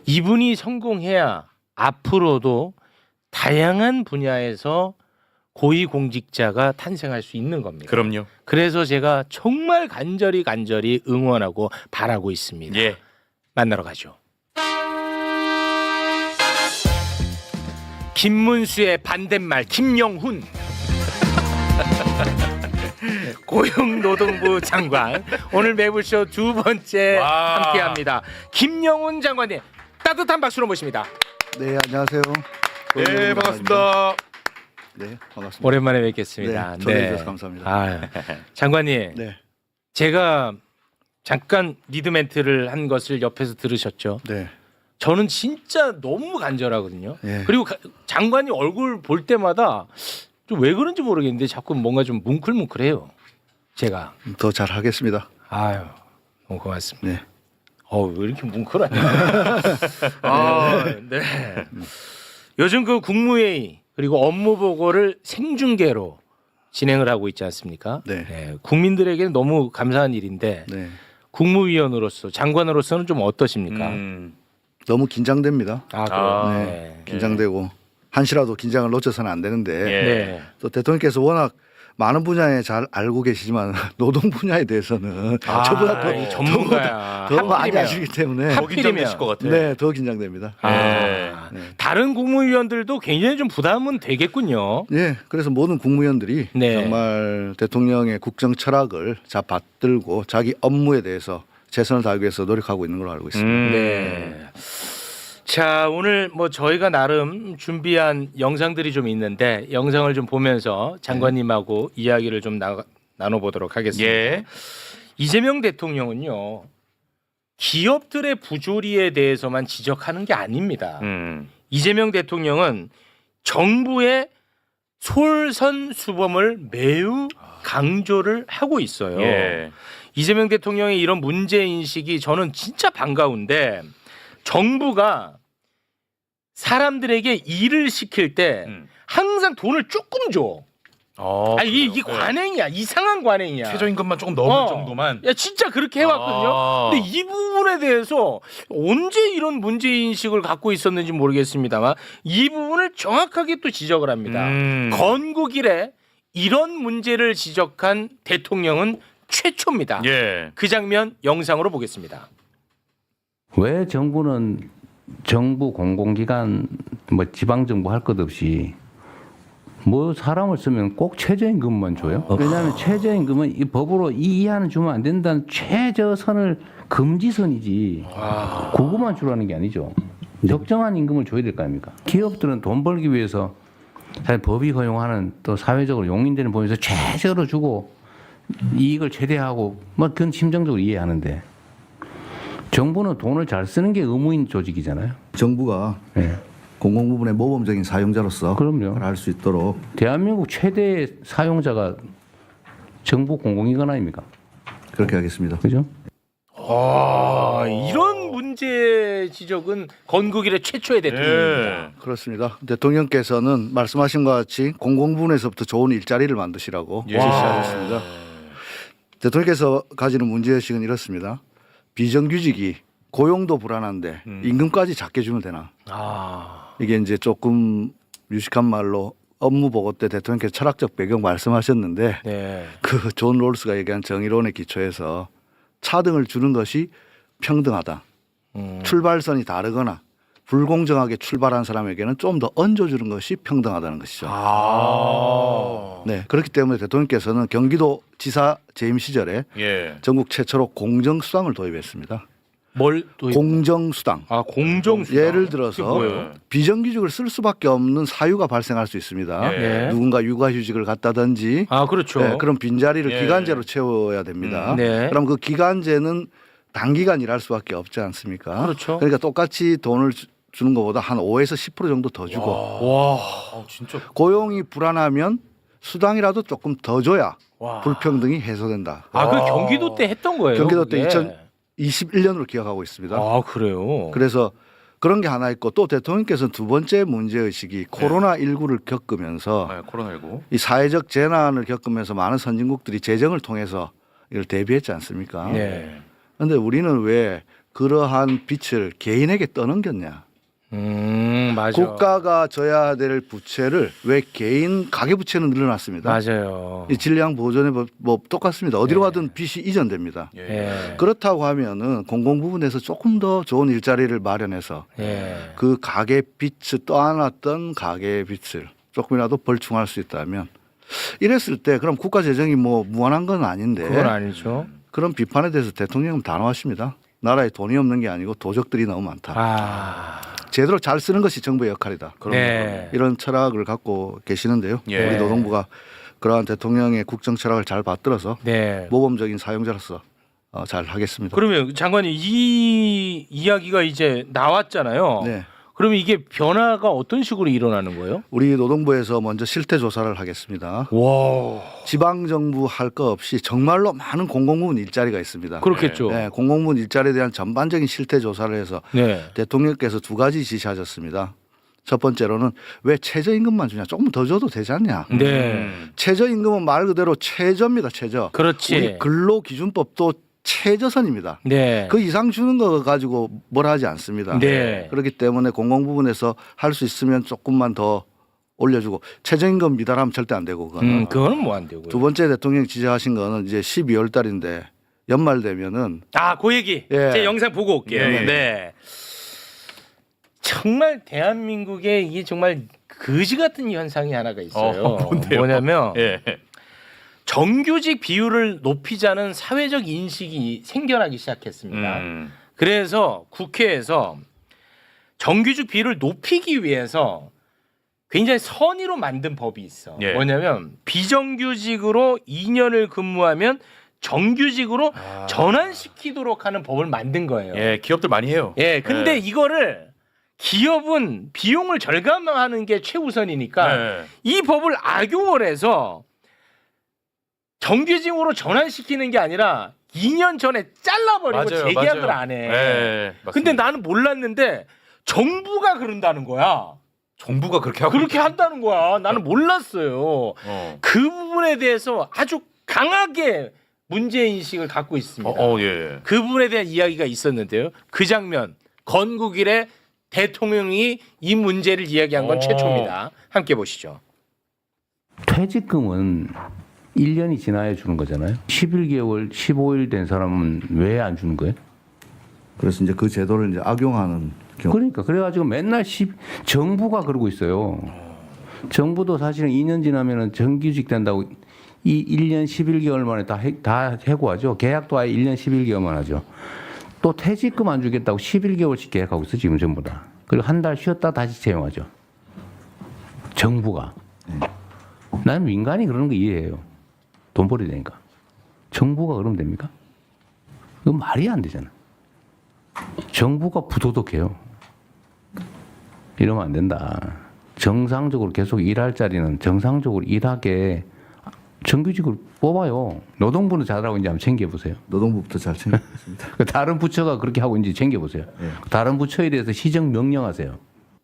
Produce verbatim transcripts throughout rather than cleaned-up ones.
이분이 성공해야 앞으로도 다양한 분야에서 고위공직자가 탄생할 수 있는 겁니다. 그럼요. 그래서 제가 정말 간절히 간절히 응원하고 바라고 있습니다. 예. 만나러 가죠. 김문수의 반대말 김영훈 고용노동부 장관 오늘 매불쇼 두 번째 와. 함께합니다. 김영훈 장관님 따뜻한 박수로 모십니다. 네, 안녕하세요. 네, 반갑습니다. 네, 반갑습니다. 오랜만에 뵙겠습니다. 네, 초대해 주셔서 감사합니다. 아유, 장관님, 네, 제가 잠깐 리드 멘트를 한 것을 옆에서 들으셨죠? 네, 저는 진짜 너무 간절하거든요. 네. 그리고 가, 장관이 얼굴 볼 때마다 좀 왜 그런지 모르겠는데 자꾸 뭔가 좀 뭉클뭉클해요. 제가. 더 잘하겠습니다. 아유, 너무 고맙습니다. 네, 어, 왜 이렇게 뭉클하냐? 아, 네. 요즘 그 국무회의 그리고 업무 보고를 생중계로 진행을 하고 있지 않습니까? 네. 국민들에게는 너무 감사한 일인데 네. 국무위원으로서 장관으로서는 좀 어떠십니까? 음. 너무 긴장됩니다. 아, 그래요? 아, 네, 네. 긴장되고 한시라도 긴장을 놓쳐서는 안 되는데 예. 네. 또 대통령께서 워낙 많은 분야에 잘 알고 계시지만 노동 분야에 대해서는 아, 저보다 더, 이 전문가야. 더, 더 많이 하필이면. 아시기 때문에 더 긴장되실 것 같아요. 네, 더 긴장됩니다. 아, 네. 네. 다른 국무위원들도 굉장히 좀 부담은 되겠군요. 네, 그래서 모든 국무위원들이 네. 정말 대통령의 국정 철학을 잘 받들고 자기 업무에 대해서 최선을 다하기 위해서 노력하고 있는 걸로 알고 있습니다. 음. 네. 자, 오늘 뭐 저희가 나름 준비한 영상들이 좀 있는데 영상을 좀 보면서 장관님하고 이야기를 좀 나, 나눠보도록 하겠습니다. 예. 이재명 대통령은요, 기업들의 부조리에 대해서만 지적하는 게 아닙니다. 음. 이재명 대통령은 정부의 솔선수범을 매우 강조를 하고 있어요. 예. 이재명 대통령의 이런 문제인식이 저는 진짜 반가운데 정부가 사람들에게 일을 시킬 때 음. 항상 돈을 조금 줘. 어, 아, 이게, 그래요? 이게 네. 관행이야. 이상한 관행이야. 최저임금만 조금 넘을 어. 정도만. 야, 진짜 그렇게 해왔거든요. 아. 근데 이 부분에 대해서 언제 이런 문제인식을 갖고 있었는지 모르겠습니다만 이 부분을 정확하게 또 지적을 합니다. 음. 건국 이래 이런 문제를 지적한 대통령은 최초입니다. 예. 그 장면 영상으로 보겠습니다. 왜 정부는 정부 공공기관 뭐 지방정부 할 것 없이 뭐 사람을 쓰면 꼭 최저임금만 줘요? 왜냐하면 최저임금은 이 법으로 이 이하는 주면 안 된다는 최저선을 금지선이지 그거만 주라는 게 아니죠. 적정한 임금을 줘야 될 거 아닙니까? 기업들은 돈 벌기 위해서 사실 법이 허용하는 또 사회적으로 용인되는 법에서 최저로 주고 이익을 최대하고 뭐 그건 심정적으로 이해하는데 정부는 돈을 잘 쓰는 게 의무인 조직이잖아요. 정부가 네. 공공부문의 모범적인 사용자로서 그럼요. 할 수 있도록 대한민국 최대 사용자가 정부 공공기관 아닙니까? 그렇게 하겠습니다. 그죠? 아, 이런 문제 지적은 건국 이래 최초의 대통령입니다. 예. 그렇습니다. 대통령께서는 말씀하신 것 같이 공공부문에서부터 좋은 일자리를 만드시라고 예. 지시하셨습니다. 대통령께서 가지는 문제의식은 이렇습니다. 비정규직이 고용도 불안한데 음. 임금까지 작게 주면 되나? 아, 이게 이제 조금 유식한 말로 업무 보고 때 대통령께서 철학적 배경 말씀하셨는데 네. 그 존 롤스가 얘기한 정의론의 기초에서 차등을 주는 것이 평등하다. 음. 출발선이 다르거나 불공정하게 출발한 사람에게는 좀 더 얹어주는 것이 평등하다는 것이죠. 아. 네, 그렇기 때문에 대통령께서는 경기도 지사 재임 시절에 예. 전국 최초로 공정수당을 도입했습니다. 뭘 또? 공정수당. 아, 공정수당. 예를 그게 들어서 뭐예요? 비정규직을 쓸 수밖에 없는 사유가 발생할 수 있습니다. 예. 네. 누군가 육아휴직을 갖다든지 아, 그렇죠. 네, 그런 빈자리를 예. 기간제로 채워야 됩니다. 음, 네. 그럼 그 기간제는 단기간 일할 수밖에 없지 않습니까? 그렇죠. 그러니까 똑같이 돈을 주- 주는 것보다 한 오에서 십 퍼센트 정도 더 주고 와. 아, 진짜. 고용이 불안하면 수당이라도 조금 더 줘야 와. 불평등이 해소된다. 아, 그 경기도 때 했던 거예요. 경기도 때 그게? 이천이십일 년으로 기억하고 있습니다. 아, 그래요. 그래서 그런 게 하나 있고 또 대통령께서는 두 번째 문제의식이 코로나십구를 겪으면서 아, 코로나십구. 이 사회적 재난을 겪으면서 많은 선진국들이 재정을 통해서 이걸 대비했지 않습니까? 네. 그런데 우리는 왜 그러한 빚을 개인에게 떠넘겼냐. 음, 맞아. 국가가 져야 될 부채를 왜 개인 가계 부채는 늘어났습니다. 맞아요. 이 질량 보존의 법, 법 똑같습니다. 어디로 네. 가든 빚이 이전됩니다. 예. 예. 그렇다고 하면은 공공 부분에서 조금 더 좋은 일자리를 마련해서 예. 그 가계 빚을 떠안았던 가계 빚을 조금이라도 벌충할 수 있다면 이랬을 때 그럼 국가 재정이 뭐 무한한 건 아닌데 그건 아니죠. 그런 비판에 대해서 대통령은 단호하십니다. 나라에 돈이 없는 게 아니고 도적들이 너무 많다. 아. 제대로 잘 쓰는 것이 정부의 역할이다. 네. 이런 철학을 갖고 계시는데요. 예. 우리 노동부가 그러한 대통령의 국정 철학을 잘 받들어서 네. 모범적인 사용자로서 어, 잘 하겠습니다. 그러면 장관님 이 이야기가 이제 나왔잖아요. 네. 그러면 이게 변화가 어떤 식으로 일어나는 거예요? 우리 노동부에서 먼저 실태 조사를 하겠습니다. 와. 지방 정부 할 거 없이 정말로 많은 공공부문 일자리가 있습니다. 그렇겠죠. 네, 공공부문 일자리에 대한 전반적인 실태 조사를 해서 네. 대통령께서 두 가지 지시하셨습니다. 첫 번째로는 왜 최저임금만 주냐? 조금 더 줘도 되지 않냐? 네. 음. 최저임금은 말 그대로 최저입니다. 최저. 그렇지. 우리 근로기준법도 최저선입니다. 네. 그 이상 주는 거 가지고 뭘 하지 않습니다. 네. 그렇기 때문에 공공 부분에서 할 수 있으면 조금만 더 올려주고 최저임금 미달하면 절대 안 되고 그거는. 음, 그거는 뭐 안 되고요. 두 번째 대통령이 지시하신 거는 이제 십이월 달인데 연말 되면은 아, 그 얘기. 예. 제 영상 보고 올게요. 예, 예. 네. 정말 대한민국에 이게 정말 거지 같은 현상이 하나가 있어요. 어, 뭔데요? 뭐냐면 예. 정규직 비율을 높이자는 사회적 인식이 생겨나기 시작했습니다. 음. 그래서 국회에서 정규직 비율을 높이기 위해서 굉장히 선의로 만든 법이 있어. 예. 뭐냐면 비정규직으로 이 년을 근무하면 정규직으로 아. 전환시키도록 하는 법을 만든 거예요. 예, 기업들 많이 해요. 예, 근데 예. 이거를 기업은 비용을 절감하는 게 최우선이니까 네. 이 법을 악용을 해서 정규직으로 전환시키는 게 아니라 이 년 전에 잘라버리고 맞아요, 재계약을 맞아요. 안 해. 예, 맞습니다. 근데 나는 몰랐는데 정부가 그런다는 거야. 정부가 그렇게 하고 그렇게 한다는 거야. 나는 몰랐어요. 어. 그 부분에 대해서 아주 강하게 문제 인식을 갖고 있습니다. 어, 어, 예. 그 부분에 대한 이야기가 있었는데요. 그 장면 건국일에 대통령이 이 문제를 이야기한 건 어. 최초입니다. 함께 보시죠. 퇴직금은 일 년이 지나야 주는 거잖아요. 십일 개월, 십오 일 된 사람은 왜 안 주는 거예요? 그래서 이제 그 제도를 이제 악용하는 경우. 그러니까 그래가지고 맨날 십, 정부가 그러고 있어요. 정부도 사실은 이 년 지나면은 정규직 된다고 이 일 년 십일 개월 만에 다, 해, 다 해고하죠. 계약도 아예 일 년 십일 개월만 하죠. 또 퇴직금 안 주겠다고 십일 개월씩 계약하고 있어 지금 전부 다. 그리고 한 달 쉬었다 다시 채용하죠. 정부가. 난 민간이 그러는 거 이해해요. 돈 벌어야 되니까. 정부가 그러면 됩니까? 그건 말이 안 되잖아. 정부가 부도덕해요. 이러면 안 된다. 정상적으로 계속 일할 자리는 정상적으로 일하게 정규직으로 뽑아요. 노동부는 잘하고 있는지 한번 챙겨보세요. 노동부부터 잘 챙기겠습니다. 다른 부처가 그렇게 하고 있는지 챙겨보세요. 네. 다른 부처에 대해서 시정 명령하세요.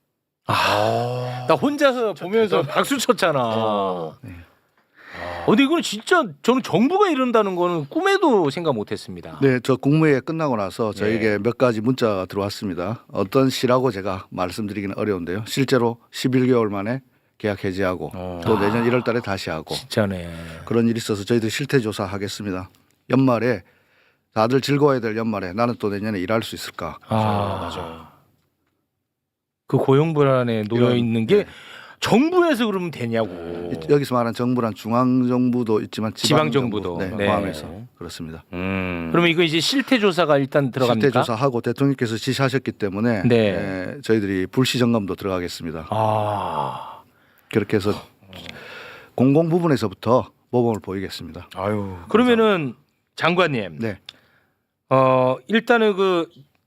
나 혼자서 보면서 박수 쳤잖아. 어. 근데 이거는 진짜 저는 정부가 이런다는 거는 꿈에도 생각 못했습니다. 네, 저 국무회의 끝나고 나서 저에게 몇 가지 문자가 들어왔습니다. 어떤 시라고 제가 말씀드리기는 어려운데요. 실제로 십일 개월 만에 계약 해지하고 어. 또 내년 일월 달에 다시 하고 진짜네. 그런 일이 있어서 저희들이 실태 조사하겠습니다. 연말에 다들 즐거워야 될 연말에 나는 또 내년에 일할 수 있을까? 아, 맞아요. 그 고용 불안에 놓여 있는 게 정부에서 그러면 되냐고. 여기서 말하는 정부란 중앙 정부도 있지만 지방 지방정부도. 정부, 네, 네. 포함해서 그렇습니다. 음. 그러면 이거 이제 실태 조사가 일단 들어갑니까? 실태 조사하고 대통령께서 지시하셨기 때문에 네. 예, 저희들이 불시 점검도 들어가겠습니다. 아, 그렇게 해서 공공 부분에서부터 모범을 보이겠습니다. 아유. 그러면은 장관님, 네. 어 일단은 그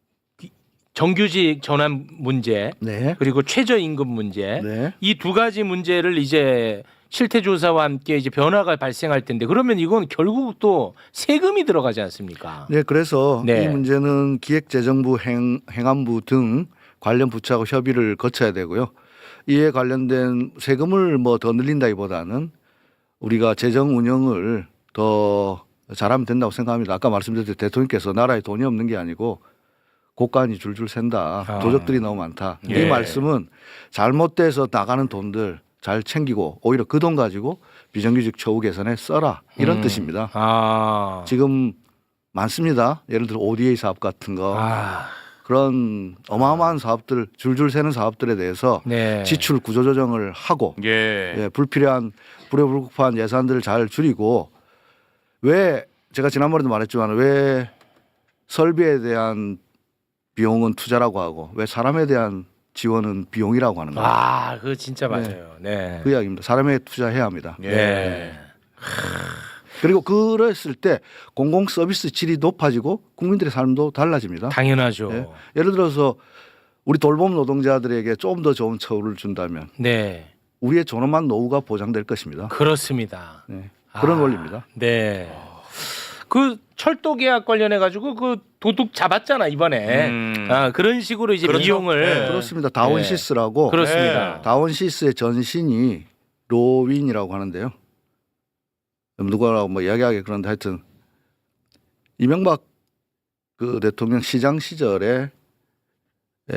정규직 전환 문제 네. 그리고 최저임금 문제 네. 이 두 가지 문제를 이제 실태 조사와 함께 이제 변화가 발생할 텐데 그러면 이건 결국 또 세금이 들어가지 않습니까? 네, 그래서 네. 이 문제는 기획재정부 행, 행안부 등 관련 부처하고 협의를 거쳐야 되고요. 이에 관련된 세금을 뭐 더 늘린다기보다는 우리가 재정 운영을 더 잘하면 된다고 생각합니다. 아까 말씀드렸듯이 대통령께서 나라에 돈이 없는 게 아니고 고간이 줄줄 샌다. 아. 도적들이 너무 많다. 예. 이 말씀은 잘못돼서 나가는 돈들 잘 챙기고 오히려 그 돈 가지고 비정규직 처우 개선에 써라 이런 음. 뜻입니다. 아. 지금 많습니다. 예를 들어 오디에이 사업 같은 거 아. 그런 어마어마한 사업들 줄줄 새는 사업들에 대해서 네. 지출 구조조정을 하고 예. 예, 불필요한 불효불급한 예산들을 잘 줄이고 왜 제가 지난번에도 말했지만 왜 설비에 대한 비용은 투자라고 하고 왜 사람에 대한 지원은 비용이라고 하는 거예요. 아, 그거 진짜 맞아요. 네. 그 이야기입니다. 사람에 투자해야 합니다. 예. 네. 그리고 그랬을 때 공공 서비스 질이 높아지고 국민들의 삶도 달라집니다. 당연하죠. 예. 예를 들어서 우리 돌봄 노동자들에게 조금 더 좋은 처우를 준다면 네. 우리의 존엄한 노후가 보장될 것입니다. 그렇습니다. 네. 그런 아, 원리입니다. 네. 그 철도 계약 관련해 가지고 그 도둑 잡았잖아 이번에. 음. 아, 그런 식으로 이제 그렇죠. 비용을 네. 그렇습니다. 다원시스라고 그렇습니다. 다원시스의 전신이 로윈이라고 하는데요. 누구라고 뭐 이야기하기 그런데 하여튼 이명박 그 대통령 시장 시절에 에,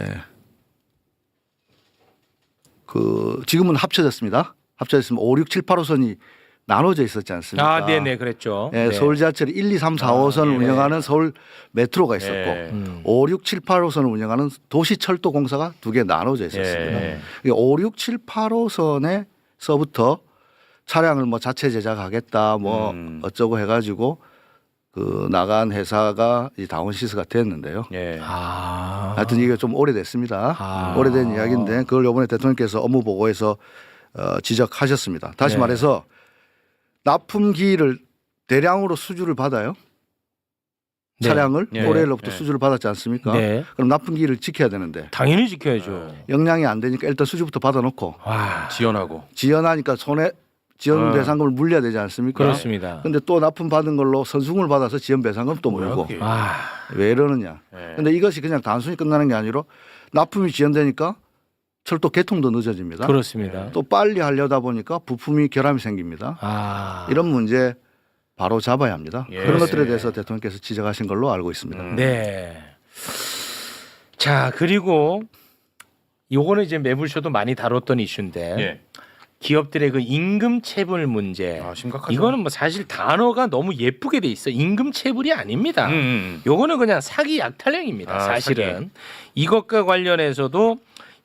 그 지금은 합쳐졌습니다. 합쳐졌으면 오, 육, 칠, 팔 호선이 나눠져 있었지 않습니까? 아, 네, 네, 그랬죠. 예, 네. 서울 지하철이 일, 이, 삼, 사 호선을 예. 운영하는 서울 메트로가 있었고 예. 음. 오, 육, 칠, 팔 호선을 운영하는 도시철도공사가 두 개 나눠져 있었습니다. 예. 오, 육, 칠, 팔 호선에서부터 차량을 뭐 자체 제작하겠다 뭐 음. 어쩌고 해가지고 그 나간 회사가 이 다원시스가 됐는데요. 예. 아. 하여튼 이게 좀 오래됐습니다. 아. 오래된 이야기인데 그걸 이번에 대통령께서 업무 보고에서 어, 지적하셨습니다. 다시 네. 말해서 납품기를 대량으로 수주를 받아요. 네. 차량을 네. 올해로부터 네. 수주를 받았지 않습니까? 네. 그럼 납품기를 지켜야 되는데 당연히 지켜야죠. 역량이 안 되니까 일단 수주부터 받아놓고 와. 지원하고. 지연하니까 손해 지연 어. 배상금을 물려야 되지 않습니까? 그렇습니다. 근데 또 납품 받은 걸로 선수금을 받아서 지연 배상금 또 뭐야, 물고 그게? 아. 왜 이러느냐? 예. 근데 이것이 그냥 단순히 끝나는 게 아니라 납품이 지연되니까 철도 개통도 늦어집니다. 그렇습니다. 또 빨리 하려다 보니까 부품이 결함이 생깁니다. 아. 이런 문제 바로 잡아야 합니다. 예. 그런 것들에 대해서 대통령께서 지적하신 걸로 알고 있습니다. 음. 네. 자, 그리고 요거는 이제 매불쇼도 많이 다뤘던 이슈인데 예. 기업들의 그 임금 체불 문제. 아, 심각하죠. 이거는 뭐 사실 단어가 너무 예쁘게 돼 있어. 임금 체불이 아닙니다. 음, 음. 요거는 그냥 사기 약탈령입니다. 아, 사실은 사기. 이것과 관련해서도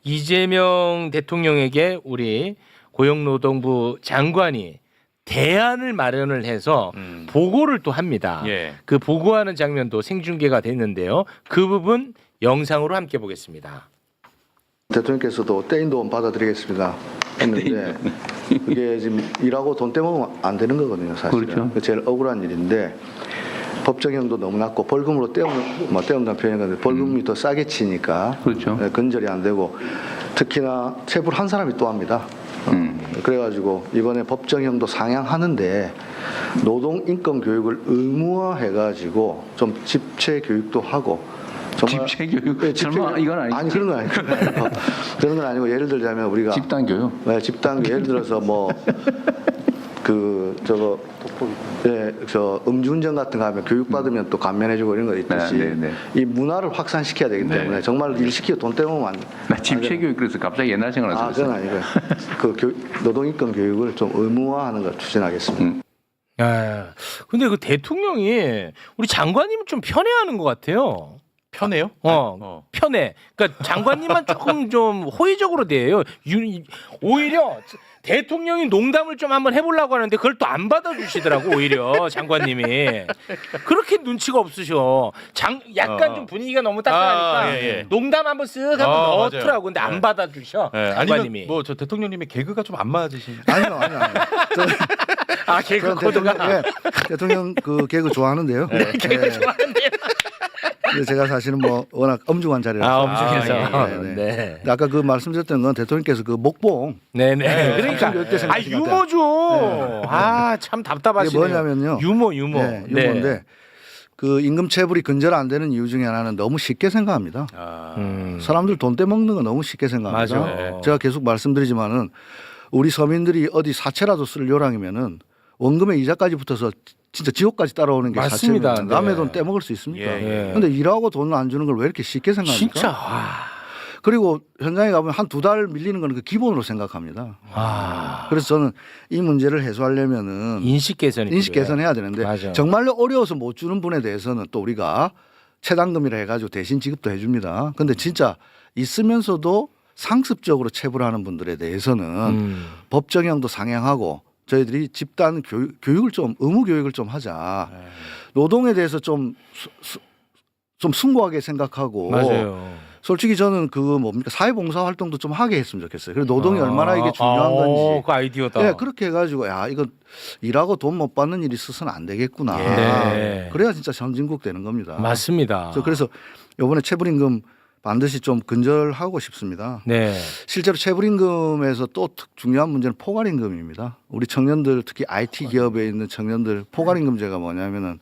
이재명 대통령에게 우리 고용노동부 장관이 대안을 마련을 해서 음. 보고를 또 합니다. 예. 그 보고하는 장면도 생중계가 됐는데요. 그 부분 영상으로 함께 보겠습니다. 대통령께서도 떼인 돈 받아드리겠습니다 했는데 그게 지금 일하고 돈 떼먹으면 안 되는 거거든요. 사실은. 그렇죠. 그게 제일 억울한 일인데 법정형도 너무 낮고 벌금으로 떼우는 뭐 떼운다는 표현이 건데 벌금이 더 싸게 치니까 그렇죠. 예, 근절이 안 되고 특히나 체불 한 사람이 또 합니다. 어, 음. 그래가지고 이번에 법정형도 상향하는데 노동 인권 교육을 의무화해가지고 좀 집체 교육도 하고 정말- 집체 교육? 예, 집체 설마 교육. 이건 아니지? 아니 그런 건 아니고 그런 건 아니고 예를 들자면 우리가 집단 교육. 네, 집단 예를 들어서 뭐 그 저거 예, 저 음주운전 같은 거 하면 교육받으면 또 감면해주고 이런 거 있듯이 네, 네, 네. 이 문화를 확산시켜야 되기 때문에 네. 정말 일 시키고 돈 떼먹으면 안 나 집체 교육 그래서 갑자기 옛날 아, 생각나서 그건 아니고요. 그 교, 노동인권 교육을 좀 의무화하는 걸 추진하겠습니다. 음. 아, 근데 그 대통령이 우리 장관님 좀 편애하는 것 같아요. 편해요? 어, 어. 편해. 그러니까 장관님만 조금 좀 호의적으로 대해요. 유- 오히려 대통령이 농담을 좀 한번 해보려고 하는데 그걸 또 안 받아주시더라고 오히려 장관님이 그렇게 눈치가 없으셔. 장 약간 어. 좀 분위기가 너무 따뜻하니까 아, 예, 예. 농담 한번 쓱 한번 어, 넣더라고. 맞아요. 근데 안 네. 받아주셔 예, 장관님이. 아니면 뭐 저 대통령님의 개그가 좀 안 맞으신. 아니요, 아니요, 아니요. 저, 아 개그 저는 코드가 대통령, 예, 대통령 그 개그 좋아하는데요. 네, 개그 예. 좋아하는데요. 근데 제가 사실은 뭐 워낙 엄중한 자리라서. 아 엄중해서. 아, 예, 예, 네. 네. 근데 아까 그 말씀드렸던 건 대통령께서 그 목봉 네네. 그러니까 교육 때 아 생각하신 것 유머죠. 아 참 이게 답답하시네요. 뭐냐면요. 유머 유머. 네, 유머인데 그 임금 체불이 근절 안 되는 이유 중에 하나는 너무 쉽게 생각합니다. 아. 음. 사람들 돈 떼먹는 거 너무 쉽게 생각합니다. 맞아. 제가 계속 말씀드리지만은 우리 서민들이 어디 사채라도 쓸 요량이면은 원금에 이자까지 붙어서 진짜 지옥까지 따라오는 게 맞습니다. 사실입니다. 남의 네. 돈 떼먹을 수 있습니까? 예, 예. 근데 일하고 돈을 안 주는 걸 왜 이렇게 쉽게 생각합니까? 진짜. 와. 그리고 현장에 가보면 한 두 달 밀리는 건 그 기본으로 생각합니다. 아. 그래서 저는 이 문제를 해소하려면은 인식 개선이 인식 필요해. 개선해야 되는데 맞아. 정말로 어려워서 못 주는 분에 대해서는 또 우리가 체당금이라 해가지고 대신 지급도 해줍니다. 근데 진짜 있으면서도 상습적으로 체불하는 분들에 대해서는 음. 법 적용도 상향하고 저희들이 집단 교육, 교육을 좀 의무 교육을 좀 하자. 노동에 대해서 좀, 수, 수, 좀 숭고하게 생각하고 맞아요. 솔직히 저는 그 뭡니까 사회봉사 활동도 좀 하게 했으면 좋겠어요. 그리고 노동이 아, 얼마나 이게 중요한 아, 건지. 그 아이디어다. 예, 그렇게 해가지고 야 이거 일하고 돈 못 받는 일이 있어서는 안 되겠구나. 네. 그래야 진짜 선진국 되는 겁니다. 맞습니다. 저 그래서 이번에 체불임금 반드시 좀 근절하고 싶습니다. 네. 실제로 체불임금에서 또 특- 중요한 문제는 포괄임금입니다. 우리 청년들 특히 아이티 기업에 있는 청년들 포괄임금제가 뭐냐면은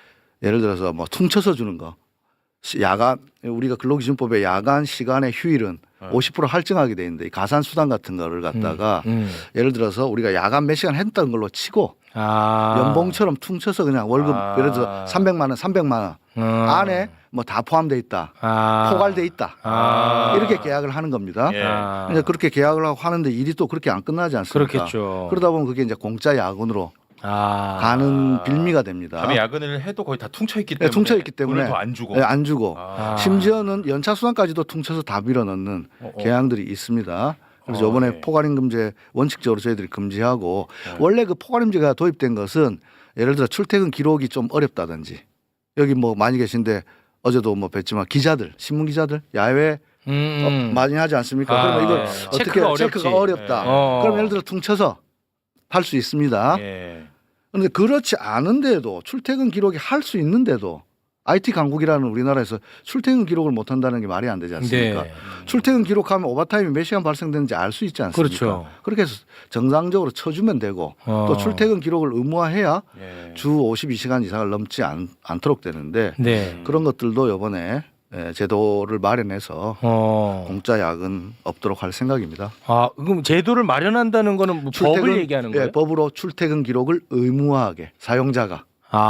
예를 들어서 뭐 퉁쳐서 주는 거. 시- 야간 우리가 근로기준법에 야간 시간의 휴일은 오십 퍼센트 할증하게 돼 있는데 이 가산수당 같은 거를 갖다가 음. 예를 들어서 우리가 야간 몇 시간 했던 걸로 치고 아. 연봉처럼 퉁쳐서 그냥 월급 아. 예를 들어서 삼백만 원, 삼백만 원 음. 안에 뭐 다 포함돼 있다. 아. 포괄돼 있다. 아. 이렇게 계약을 하는 겁니다. 예. 아. 이제 그렇게 계약을 하고 하는데 일이 또 그렇게 안 끝나지 않습니까? 그렇겠죠. 그러다 보면 그게 이제 공짜 야근으로 아. 가는 빌미가 됩니다. 밤에 야근을 해도 거의 다 퉁쳐 있기 네, 때문에 퉁쳐 있기 때문에 돈을 더 안 주고 네, 안 주고 아. 심지어는 연차 수당까지도 퉁쳐서 다 밀어넣는 어, 어. 계양들이 있습니다. 그래서 어, 이번에 네. 포괄임금제 원칙적으로 저희들이 금지하고 원래 그 포괄임금제가 도입된 것은 예를 들어 출퇴근 기록이 좀 어렵다든지 여기 뭐 많이 계신데 어제도 뭐 뵀지만 기자들 신문 기자들 야외 음. 어, 많이 하지 않습니까? 아, 그러면 이걸 네. 어떻게 체크가 체크가, 어렵지. 어렵다. 네. 어. 그럼 예를 들어 퉁쳐서 할 수 있습니다. 예. 그런데 그렇지 않은데도 출퇴근 기록이 할 수 있는데도 아이티 강국이라는 우리나라에서 출퇴근 기록을 못 한다는 게 말이 안 되지 않습니까? 네. 출퇴근 기록하면 오버타임이 몇 시간 발생되는지 알 수 있지 않습니까? 그렇죠. 그렇게 해서 정상적으로 쳐주면 되고 어. 또 출퇴근 기록을 의무화해야 예. 주 오십이 시간 이상을 넘지 않, 않도록 되는데 네. 그런 것들도 이번에 예, 제도를 마련해서 어. 공짜 야근 없도록 할 생각입니다. 아, 그럼 제도를 마련한다는 거는 뭐 법을 얘기하는 거예요? 예, 법으로 출퇴근 기록을 의무화하게 사용자가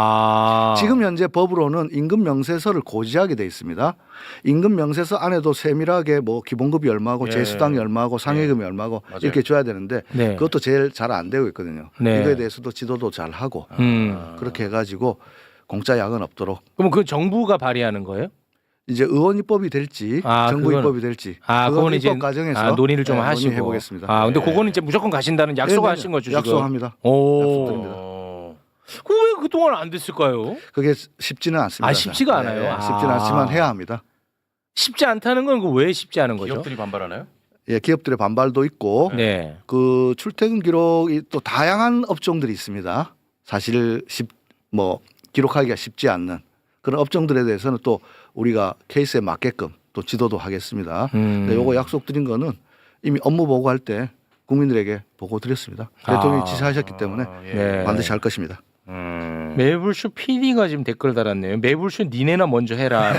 아. 지금 현재 법으로는 임금 명세서를 고지하게 돼 있습니다. 임금 명세서 안에도 세밀하게 뭐 기본급이 얼마고 예. 재수당이 얼마고 상해금이 얼마고 맞아요. 이렇게 줘야 되는데 네. 그것도 제일 잘 안 되고 있거든요. 네. 이거에 대해서도 지도도 잘 하고 음. 그렇게 해가지고 공짜 야근 없도록 그럼 그 정부가 발의하는 거예요? 이제 의원 입법이 될지 아, 정부 그건- 입법이 될지 아, 그건 그거는 이제 입법 과정에서 아, 논의를 좀 네, 하시고 논의해 보겠습니다. 아, 근데 네. 그거는 이제 무조건 가신다는 약속하신 거죠, 지금? 약속합니다. 오. 약속드립니다. 어. 그왜 그동안 안 됐을까요? 그게 쉽지는 않습니다. 아, 쉽지가 않아요? 네, 아. 쉽지는 않지만 해야 합니다. 쉽지 않다는 건 그 왜 쉽지 않은 거죠? 기업들이 반발하나요? 예, 기업들의 반발도 있고 네. 그 출퇴근 기록이 또 다양한 업종들이 있습니다. 사실 쉽, 뭐 기록하기가 쉽지 않는 그런 업종들에 대해서는 또 우리가 케이스에 맞게끔 또 지도도 하겠습니다. 음. 네, 요거 약속드린 거는 이미 업무 보고할 때 국민들에게 보고 드렸습니다. 대통령이 아. 지시하셨기 때문에 아, 예. 네. 반드시 할 것입니다. 음. 매불쇼 피디가 지금 댓글 달았네요. 매불쇼 니네나 먼저 해라.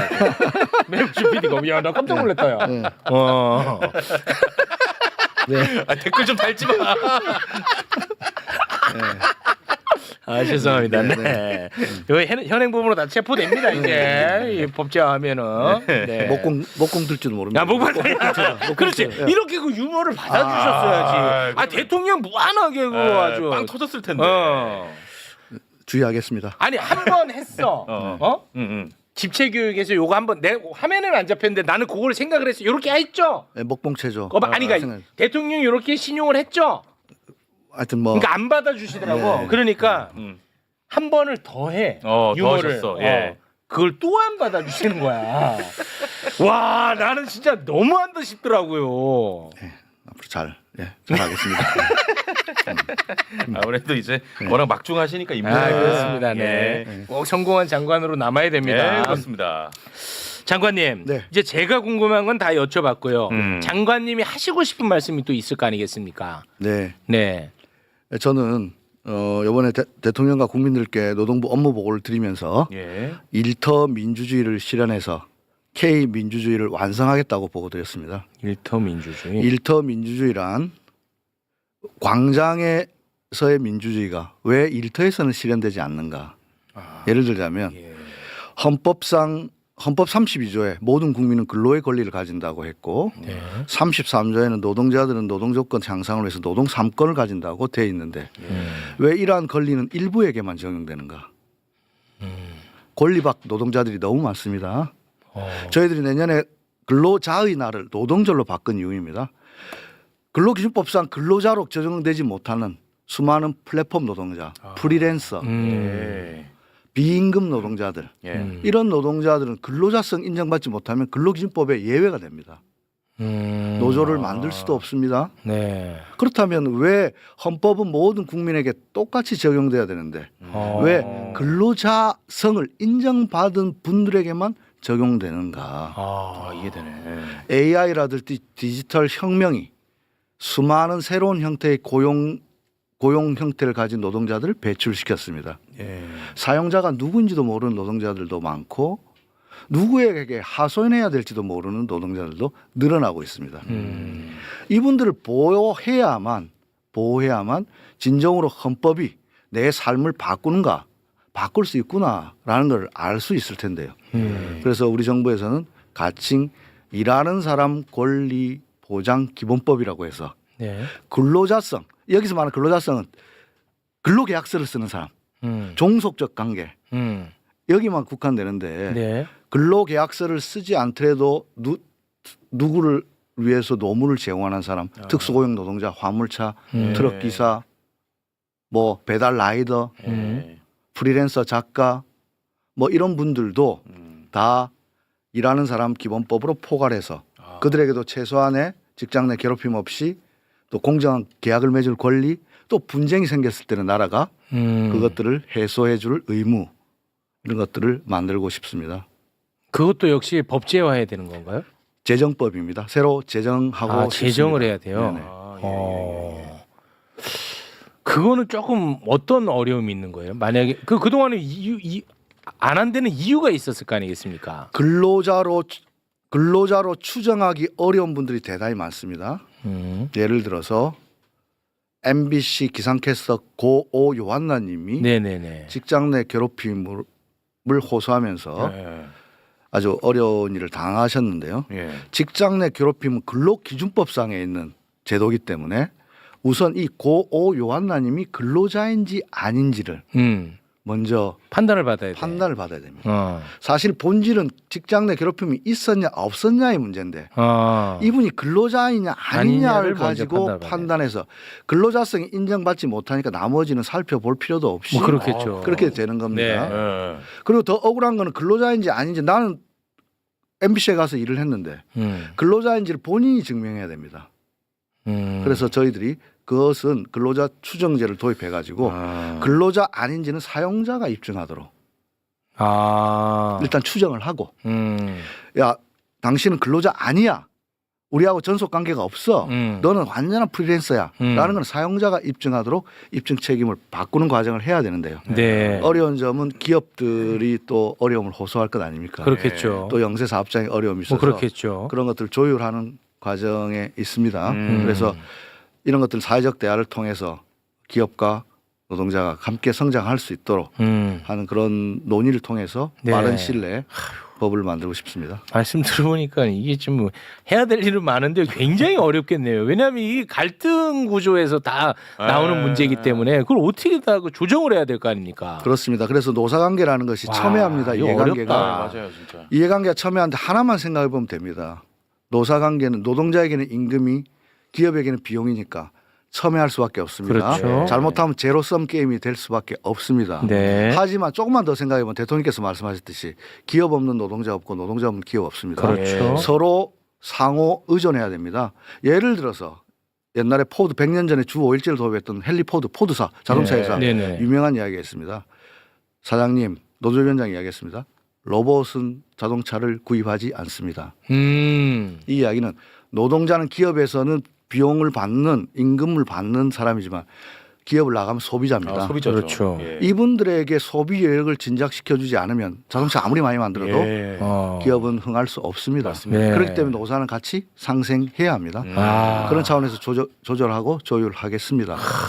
매불쇼 피디가 야 나 깜짝 놀랐다 야. 네. 어. 네. 아, 댓글 좀 달지 마. 아 죄송합니다. 네. 네, 여기 현- 현행범으로 다 체포됩니다 이제 이 법제화하면은. 네. 목공 목공 들지도 모릅니다. 야 목발. 그렇지. 예. 이렇게 그 유머를 받아주셨어야지. 아, 아, 대통령 무한하게 그거 아, 아주. 빵 터졌을 텐데. 어. 주의하겠습니다. 아니 한 번 했어. 어. 어? 응, 응. 집체 교육에서 요거 한번 내 화면에는 안 잡혔는데 나는 그걸 생각을 했어. 요렇게 했죠. 네, 목봉체조. 어, 아니 그러니까 생각- 대통령이 요렇게 신용을 했죠. 하여튼 뭐 그러니까 안 받아주시더라고. 네. 그러니까 응. 한 번을 더 해. 어, 더 유머를. 하셨어. 예. 그걸 또 안 받아주시는 거야. 와 나는 진짜 너무한다 싶더라고요. 앞으로 잘 예, 잘하겠습니다. 아무래도 이제 워낙 막중하시니까 임무. 아 그렇습니다. 네. 예. 꼭 성공한 장관으로 남아야 됩니다. 예, 그렇습니다. 장관님, 네. 이제 제가 궁금한 건 다 여쭤봤고요. 음. 장관님이 하시고 싶은 말씀이 또 있을 거 아니겠습니까? 네. 네. 저는 어, 이번에 대, 대통령과 국민들께 노동부 업무 보고를 드리면서 예. 일터 민주주의를 실현해서 K 민주주의를 완성하겠다고 보고 드렸습니다. 일터 민주주의. 일터 민주주의란 광장에 일터에서의 민주주의가 왜 일터에서는 실현되지 않는가? 아, 예를 들자면 예. 헌법상 헌법 삼십이 조에 모든 국민은 근로의 권리를 가진다고 했고 네. 삼십삼 조에는 노동자들은 노동조건 향상을 위해서 노동 삼 권을 가진다고 돼 있는데 음. 왜 이러한 권리는 일부에게만 적용되는가? 권리박 노동자들이 너무 많습니다. 어. 저희들이 내년에 근로자의 날을 노동절로 바꾼 이유입니다. 근로기준법상 근로자로 적용되지 못하는 수많은 플랫폼 노동자, 프리랜서, 음. 예. 비임금 노동자들 예. 음. 이런 노동자들은 근로자성 인정받지 못하면 근로기준법에 예외가 됩니다. 음. 노조를 만들 수도 없습니다. 네. 그렇다면 왜 헌법은 모든 국민에게 똑같이 적용돼야 되는데 어. 왜 근로자성을 인정받은 분들에게만 적용되는가? 아, 아, 이해되네. 에이아이라든지 디지털 혁명이 수많은 새로운 형태의 고용 고용 형태를 가진 노동자들을 배출시켰습니다. 예. 사용자가 누구인지도 모르는 노동자들도 많고 누구에게 하소연해야 될지도 모르는 노동자들도 늘어나고 있습니다. 음. 이분들을 보호해야만 보호해야만 진정으로 헌법이 내 삶을 바꾸는가 바꿀 수 있구나라는 걸 알 수 있을 텐데요. 음. 그래서 우리 정부에서는 가칭 일하는 사람 권리 보장 기본법이라고 해서 네. 근로자성 여기서 말하는 근로자성은 근로계약서를 쓰는 사람, 음. 종속적 관계 음. 여기만 국한되는데 네. 근로계약서를 쓰지 않더라도 누, 누구를 위해서 노무를 제공하는 사람, 특수고용 노동자, 화물차, 음. 트럭 기사, 뭐 배달 라이더, 예. 프리랜서 작가, 뭐 이런 분들도 음. 다 일하는 사람 기본법으로 포괄해서 아. 그들에게도 최소한의 직장 내 괴롭힘 없이 또 공정한 계약을 맺을 권리, 또 분쟁이 생겼을 때는 나라가 음. 그것들을 해소해 줄 의무 이런 것들을 만들고 싶습니다. 그것도 역시 법제화해야 되는 건가요? 재정법입니다. 새로 제정하고 아, 싶습니다. 제정을 해야 돼요. 네네. 아, 예, 예, 예. 어. 그거는 조금 어떤 어려움이 있는 거예요? 만약에 그 그동안에 이유 이, 안 한 데는 이유가 있었을 거 아니겠습니까? 근로자로 근로자로 추정하기 어려운 분들이 대단히 많습니다. 음. 예를 들어서 엠비씨 기상캐스터 고오 요한나님이 네네네. 직장 내 괴롭힘을 호소하면서 예. 아주 어려운 일을 당하셨는데요. 예. 직장 내 괴롭힘은 근로기준법상에 있는 제도이기 때문에 우선 이 고오 요한나님이 근로자인지 아닌지를 음. 먼저 판단을 받아야 돼. 판단을 받아야 됩니다. 어. 사실 본질은 직장 내 괴롭힘이 있었냐 없었냐의 문제인데 어. 이분이 근로자이냐 아니냐를 아니냐를 먼저 가지고 판단을 받아야 판단해서 근로자성이 인정받지 못하니까 나머지는 살펴볼 필요도 없이 뭐 그렇겠죠. 그렇게 되는 겁니다. 네. 예. 그리고 더 억울한 거는 근로자인지 아닌지 나는 엠비씨에 가서 일을 했는데 음. 근로자인지를 본인이 증명해야 됩니다. 음. 그래서 저희들이 그것은 근로자 추정제를 도입해 가지고 아. 근로자 아닌지는 사용자가 입증하도록 아. 일단 추정을 하고 음. 야 당신은 근로자 아니야 우리하고 전속 관계가 없어 음. 너는 완전한 프리랜서야 음. 라는 건 사용자가 입증하도록 입증 책임을 바꾸는 과정을 해야 되는데요. 네. 어려운 점은 기업들이 또 어려움을 호소할 것 아닙니까? 그렇겠죠. 또 영세 사업장에 어려움이 있어서 뭐 그렇겠죠. 그런 것들을 조율하는 과정에 있습니다. 음. 그래서 이런 것들 사회적 대화를 통해서 기업과 노동자가 함께 성장할 수 있도록 음. 하는 그런 논의를 통해서 네. 빠른 시일 내에 법을 만들고 싶습니다. 말씀 들어보니까 이게 좀 해야 될 일은 많은데 굉장히 어렵겠네요. 왜냐하면 이 갈등 구조에서 다 나오는 에. 문제이기 때문에 그걸 어떻게 다 그 조정을 해야 될 거 아닙니까? 그렇습니다. 그래서 노사관계라는 것이 와, 첨예합니다. 이거 이해관계가. 어렵다. 맞아요, 진짜. 이해관계가 첨예한데 하나만 생각해 보면 됩니다. 노사관계는 노동자에게는 임금이 기업에게는 비용이니까 첨예할 수밖에 없습니다. 그렇죠. 잘못하면 제로섬 게임이 될 수밖에 없습니다. 네. 하지만 조금만 더 생각해 보면 대통령께서 말씀하셨듯이 기업 없는 노동자 없고 노동자 없는 기업 없습니다. 그렇죠. 서로 상호 의존해야 됩니다. 예를 들어서 옛날에 포드 백 년 전에 주 오 일제를 도입했던 헨리 포드 포드사 자동차 네. 회사 네네. 유명한 이야기가 있습니다. 사장님 노조위원장이 이야기했습니다. 로봇은 자동차를 구입하지 않습니다. 음. 이 이야기는 노동자는 기업에서는 비용을 받는 임금을 받는 사람이지만 기업을 나가면 소비자입니다. 아, 소비자죠. 그렇죠. 예. 이분들에게 소비 여력을 진작시켜주지 않으면 자동차 아무리 많이 만들어도 예. 어. 기업은 흥할 수 없습니다. 네. 그렇기 때문에 노사는 같이 상생해야 합니다. 음. 아. 그런 차원에서 조절, 조절하고 조율하겠습니다.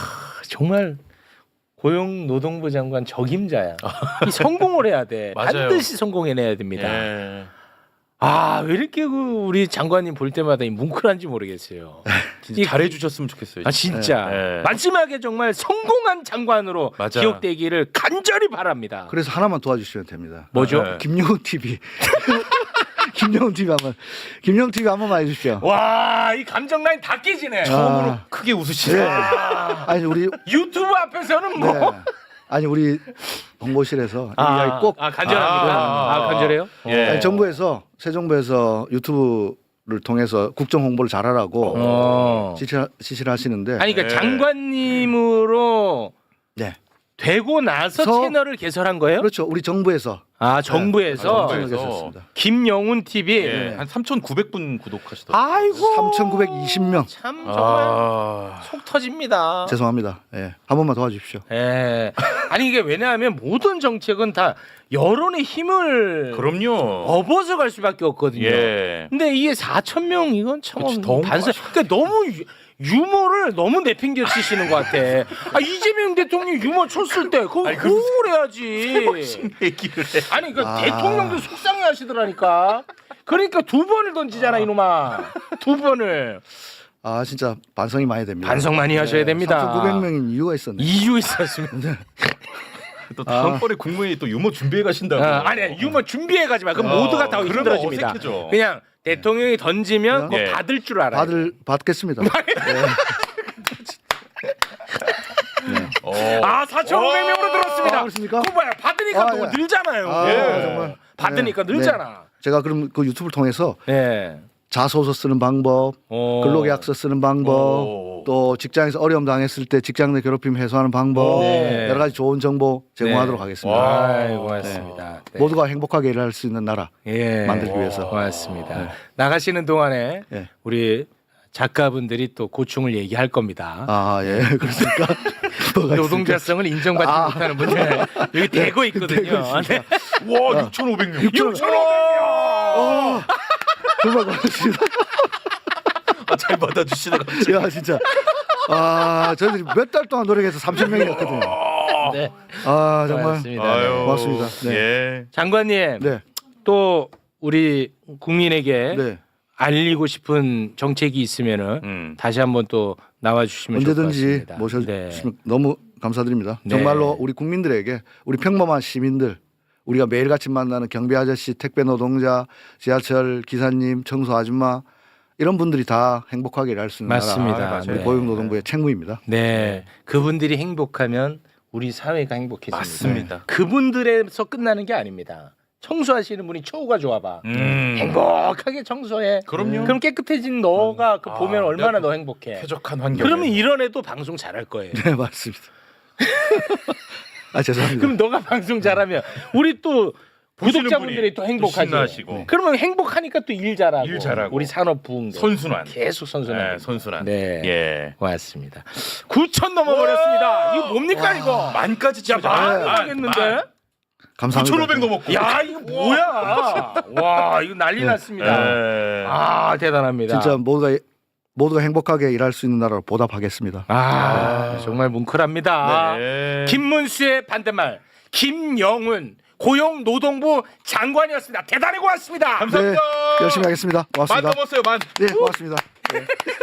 정말 고용노동부 장관 적임자야. 이 성공을 해야 돼. 맞아요. 반드시 성공해내야 됩니다. 예. 아, 왜 이렇게 그 우리 장관님 볼 때마다 이 뭉클한지 모르겠어요. 진짜 이- 잘해주셨으면 좋겠어요. 아 진짜 네. 마지막에 정말 성공한 장관으로 맞아. 기억되기를 간절히 바랍니다. 그래서 하나만 도와주시면 됩니다. 뭐죠? 네. 김영훈 티비. 김영훈 티비 한번 김영훈 티비 한 번만 해주십시오. 와, 이 감정 라인 다 깨지네. 처음으로 아. 크게 웃으시네. 네. 아, 아니 우리 유튜브 앞에서는 뭐 네. 아니 우리 홍보실에서 이 이야기 꼭 아, 간절합니다. 아, 아, 간절해요? 예. 아니, 정부에서 새 정부에서 유튜브를 통해서 국정 홍보를 잘하라고 어. 지시, 지시를 하시는데 아니 그러니까 네. 장관님으로 네. 되고 나서 서- 채널을 개설한 거예요? 그렇죠. 우리 정부에서 아, 정부에서 네. 채널을 정부에서. 개설했습니다. 김영훈 티비. 예. 한 삼천구백 분 구독하시더라고요. 아이고. 삼천구백이십 명. 참 정말 아. 속 터집니다. 죄송합니다. 예. 한 번만 도와주십시오. 예. 아니 이게 왜냐하면 모든 정책은 다 여론의 힘을 그럼요. 업어서 갈 수밖에 없거든요. 예. 근데 이게 사천 명 이건 참 그치, 너무 반사. 그러니까 너무 유, 유머를 너무 내팽겨 치시는 것 같아. 아 이재명 대통령 유머 쳤을 때 그거 호응을 해야지. 얘기를 해. 아니 그 아. 대통령도 속상해하시더라니까. 그러니까 두 번을 던지잖아 이놈아. 두 번을. 아 진짜 반성이 많이 됩니다. 반성 많이 하셔야 됩니다. 삼천구백 명인 이유가 있었네. 이유 있었습니다. 또 다음번에 국무회의 또 유머 준비해 가신다고. 어, 아니 유머 준비해 가지 마. 그럼 어, 모두가 다 그러면 힘들어집니다. 어색해져. 그냥 대통령이 던지면 예. 그거 받을 줄 알아요. 받을 받겠습니다. 어. 아 사천오백 명으로 들었습니다. 아, 그렇습니까? 그거 봐요. 받으니까 아, 또 예. 늘잖아요. 아, 예. 정말. 받으니까 네. 늘잖아. 제가 그럼 그 유튜브를 통해서 네. 자소서 쓰는 방법, 어. 근로계약서 쓰는 방법, 오. 또 직장에서 어려움 당했을 때 직장 내 괴롭힘 해소하는 방법, 네. 여러 가지 좋은 정보 제공하도록 네. 하겠습니다. 와. 아이, 고맙습니다. 네. 모두가 행복하게 일할 수 있는 나라 예. 만들기 위해서. 고맙습니다. 나가시는 동안에 네. 우리 작가분들이 또 고충을 얘기할 겁니다. 아, 예, 그렇습니까? 뭐가 있습니까? 노동자성을 인정받지 아. 못하는 분들 여기 대고 있거든요. 네. 와 육천오백 명. 육천오백 명. 어, 정말 고맙습니다. 아, 잘 받아주시네 갑자기. 야, 진짜. 아, 저희들이 몇 달 동안 노력해서 삼천 명이었거든요. 네. 아, 정말. 고맙습니다. 아유. 고맙습니다. 네. 예. 장관님 네, 또 우리 국민에게 네. 알리고 싶은 정책이 있으면은 음. 다시 한번 또 나와 주시면 좋을 것 언제든지 같습니다. 모셔주시면 네. 너무 감사드립니다. 네. 정말로 우리 국민들에게 우리 평범한 시민들 우리가 매일같이 만나는 경비 아저씨, 택배 노동자, 지하철 기사님, 청소 아줌마 이런 분들이 다 행복하게 일할 수 있는 맞습니다. 나라 맞아요. 우리 네. 고용노동부의 책무입니다. 네, 그분들이 행복하면 우리 사회가 행복해집니다. 맞습니다. 그분들에서 끝나는 게 아닙니다. 청소하시는 분이 처우가 좋아봐. 음. 행복하게 청소해. 그럼요. 그럼 깨끗해진 너가 그 아, 보면 얼마나 내가 너 행복해. 쾌적한 환경. 그러면 이런 애도 방송 잘할 거예요. 네, 맞습니다. 아, 죄송합니다. 그럼 너가 방송 잘하면 우리 또 보시는 구독자분들이 분이 또 행복하죠. 신나시고. 네. 그러면 행복하니까 또 일 잘하고, 일 잘하고. 우리 산업 부흥도 선순환. 계속 선순환. 네, 선순환. 네. 예. 고맙습니다. 구천 넘어버렸습니다. 이거 뭡니까 이거? 만까지 자, 치자. 만 만, 하겠는데? 만. 감사합니다. 구천오백 넘었고. 야 이거 뭐야? 와 이거 난리 났습니다. 예. 아 대단합니다. 진짜 모두가 모두가 행복하게 일할 수 있는 나라로 보답하겠습니다. 아 정말 뭉클합니다. 네. 김문수의 반대말 김영훈 고용노동부 장관이었습니다. 대단히 고맙습니다. 감사합니다. 네, 열심히 하겠습니다. 만 고맙습니다. 넘었어요, 만. 네, 고맙습니다. 네.